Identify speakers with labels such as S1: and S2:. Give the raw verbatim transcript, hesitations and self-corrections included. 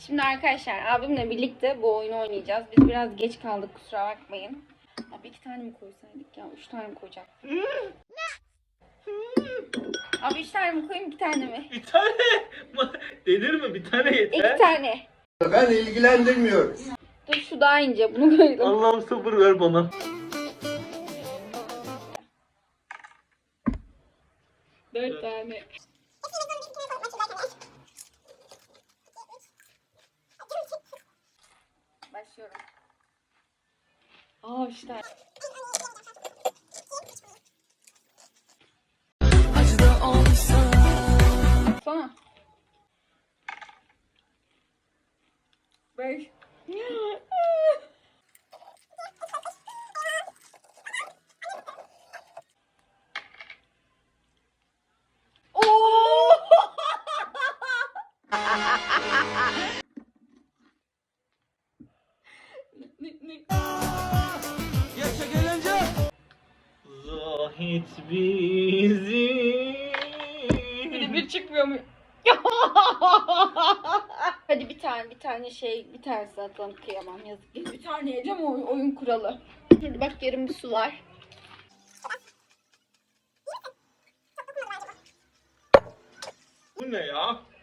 S1: Şimdi arkadaşlar abimle birlikte bu oyunu oynayacağız. Biz biraz geç kaldık, kusura bakmayın. Abi iki tane mi koysaydık ya? Üç tane mi koyacak? Abi üç tane mi koyayım, iki tane mi?
S2: Bir tane denir mi? Bir tane yeter.
S1: İki tane.
S3: Ben ilgilendirmiyorum.
S1: Dur şu daha ince, bunu koydum.
S2: Allah'ım sabır ver bana.
S1: Dört tane. Başlıyorum. Aa üç tane. Sana. Beş.
S2: Yaşa gelince. Zahit bizi.
S1: Bir de bir çıkmıyor mu? Hadi bir tane bir tane şey bir tanesi atalım, kıyamam yazık. Bir tane yiyeceğim, o oyun kuralı. Hadi bak, yarım bir su var.
S2: Bu ne ya?